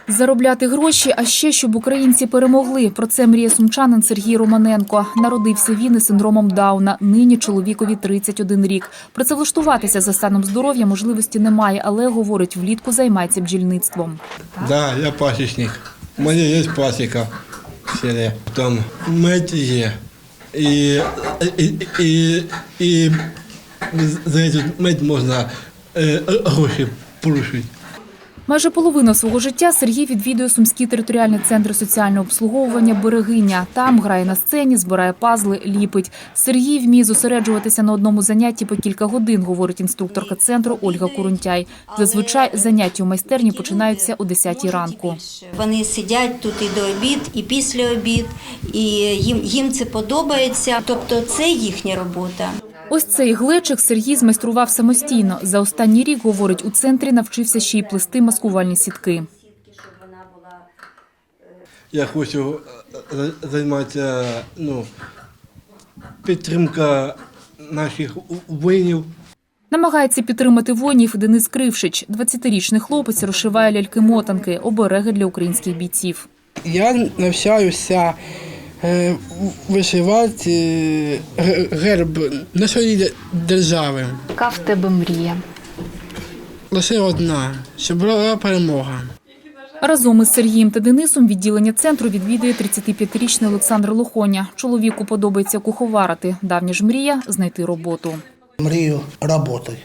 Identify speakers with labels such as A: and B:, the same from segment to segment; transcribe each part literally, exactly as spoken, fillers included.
A: Заробляти гроші, а ще щоб українці перемогли. Про це мріє сумчанин Сергій Романенко. Народився він із синдромом Дауна. Нині чоловікові тридцять один рік. Працевлаштуватися за станом здоров'я можливості немає, але, говорить, влітку займається бджільництвом.
B: Так, да, я пасічник. У мене є пасіка в селі. Там мед є. І, і, і, і за цей мед можна е, гроші порушити.
A: Майже половину свого життя Сергій відвідує Сумський територіальний центр соціального обслуговування «Берегиня». Там грає на сцені, збирає пазли, ліпить. Сергій вміє зосереджуватися на одному занятті по кілька годин, говорить інструкторка центру Ольга Курунтяй. Зазвичай заняття у майстерні починаються о десятій ранку.
C: Вони сидять тут і до обід, і після обід, і їм, їм це подобається. Тобто це їхня робота.
A: Ось цей глечик Сергій змайстрував самостійно. За останній рік, говорить, у центрі навчився ще й плести маскувальні сітки.
B: Я хочу займатися, ну, підтримка наших воїнів.
A: Намагається підтримати воїнів Денис Крившич. двадцятирічний хлопець розшиває ляльки-мотанки, обереги для українських бійців.
D: Я навчаюся вишивати герб нашої держави.
A: Яка в тебе мрія?
D: Лише одна, щоб була перемога.
A: Разом із Сергієм та Денисом відділення центру відвідує тридцятип'ятирічний Олександр Лохоня. Чоловіку подобається куховарити. Давня ж мрія – знайти роботу.
E: Мрію роботи.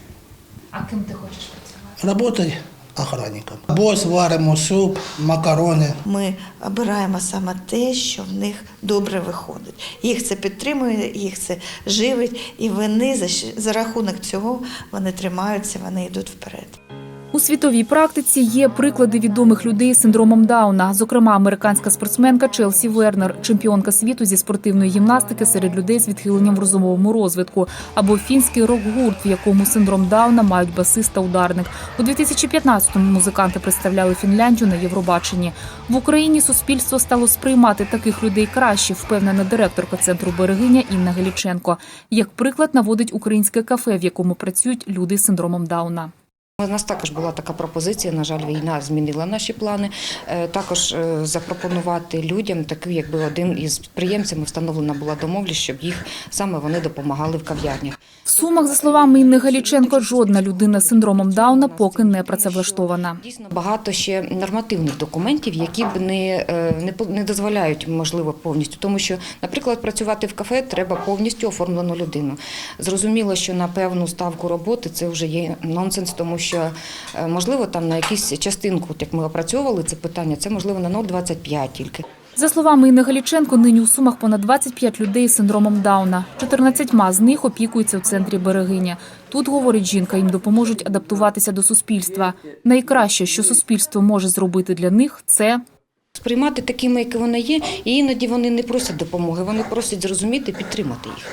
A: А ким ти хочеш працювати?
E: Роботи охранником. Борщ варимо, суп, макарони.
F: Ми обираємо саме те, що в них добре виходить. Їх це підтримує, їх це живить, і вони за, за рахунок цього вони тримаються, вони йдуть вперед.
A: У світовій практиці є приклади відомих людей з синдромом Дауна. Зокрема, американська спортсменка Челсі Вернер, чемпіонка світу зі спортивної гімнастики серед людей з відхиленням в розумовому розвитку. Або фінський рок-гурт, в якому синдром Дауна мають басист та ударник. У дві тисячі п'ятнадцятому музиканти представляли Фінляндію на Євробаченні. В Україні суспільство стало сприймати таких людей краще, впевнена директорка центру «Берегиня» Інна Галіченко. Як приклад наводить українське кафе, в якому працюють люди з синдромом Дауна.
G: У нас також була така пропозиція, на жаль, війна змінила наші плани. Також запропонувати людям, такий якби один із підприємців, встановлена була домовленість, щоб їх саме вони допомагали в кав'ярнях.
A: В Сумах, за словами Інни Галіченко, жодна людина з синдромом Дауна поки не працевлаштована.
G: Дійсно, багато ще нормативних документів, які б не, не, не дозволяють, можливо, повністю. Тому що, наприклад, працювати в кафе треба повністю оформлену людину. Зрозуміло, що на певну ставку роботи це вже є нонсенс, тому що що, можливо, там на якусь частинку, як ми опрацьовували це питання, це, можливо, на нуль двадцять п'ять тільки.
A: За словами Інни Галіченко, нині у Сумах понад двадцять п'ять людей з синдромом Дауна. чотирнадцятьма з них опікуються у центрі «Берегиня». Тут, говорить жінка, їм допоможуть адаптуватися до суспільства. Найкраще, що суспільство може зробити для них – це
G: сприймати такими, які вони є, і іноді вони не просять допомоги, вони просять зрозуміти, підтримати їх.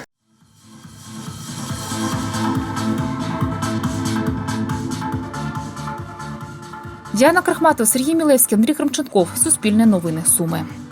A: Діана Крахматова, Сергій Мілевський, Андрій Кремченков. Суспільне новини. Суми.